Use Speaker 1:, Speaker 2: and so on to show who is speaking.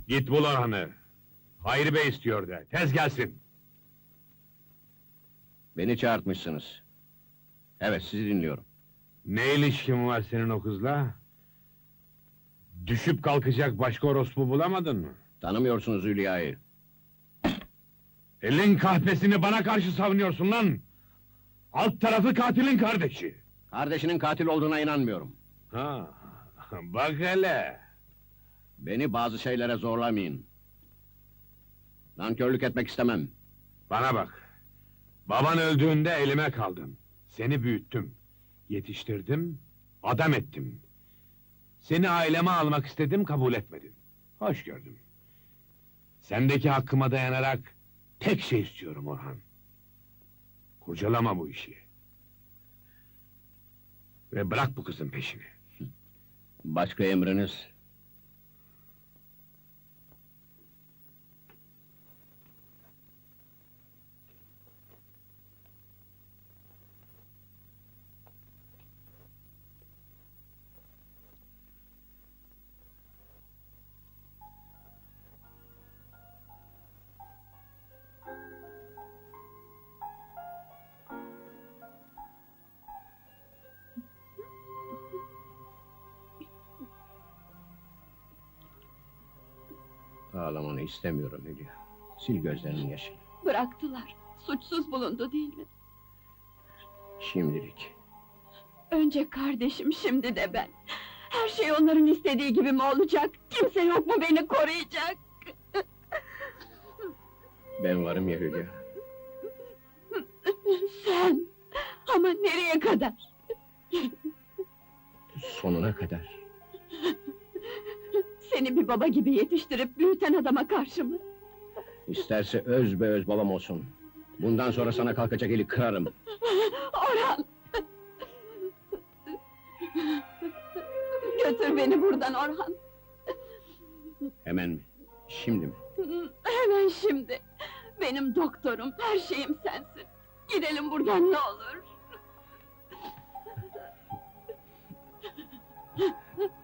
Speaker 1: Git bul Orhan'ı. Hayri Bey istiyor de, tez gelsin.
Speaker 2: Beni çağırtmışsınız. Evet, sizi dinliyorum.
Speaker 1: Ne ilişkin var senin o kızla? Düşüp kalkacak başka orospu bulamadın mı?
Speaker 2: Tanımıyorsunuz Hülya'yı.
Speaker 1: Elin kahpesini bana karşı savunuyorsun lan! Alt tarafı katilin kardeşi!
Speaker 2: Kardeşinin katil olduğuna inanmıyorum.
Speaker 1: Ha, bak hele!
Speaker 2: Beni bazı şeylere zorlamayın. Nankörlük etmek istemem.
Speaker 1: Bana bak! Baban öldüğünde elime kaldın. Seni büyüttüm. Yetiştirdim, adam ettim. Seni aileme almak istedim, kabul etmedin. Hoş gördüm. Sendeki hakkıma dayanarak tek şey istiyorum Orhan. Kurcalama bu işi. Ve bırak bu kızın peşini.
Speaker 2: Başka emriniz? Ağlamanı istemiyorum Hülya. Sil gözlerinin yaşını.
Speaker 3: Bıraktılar. Suçsuz bulundu değil mi?
Speaker 2: Şimdilik.
Speaker 3: Önce kardeşim, şimdi de ben. Her şey onların istediği gibi mi olacak? Kimse yok mu beni koruyacak?
Speaker 2: Ben varım ya Hülya.
Speaker 3: Sen! Ama nereye kadar?
Speaker 2: Sonuna kadar.
Speaker 3: Seni bir baba gibi yetiştirip büyüten adama karşı mı?
Speaker 2: İsterse öz be öz babam olsun. Bundan sonra sana kalkacak eli kırarım.
Speaker 3: Orhan! Götür beni buradan Orhan!
Speaker 2: Hemen mi? Şimdi mi?
Speaker 3: Hemen şimdi! Benim doktorum, her şeyim sensin! Gidelim buradan ne olur!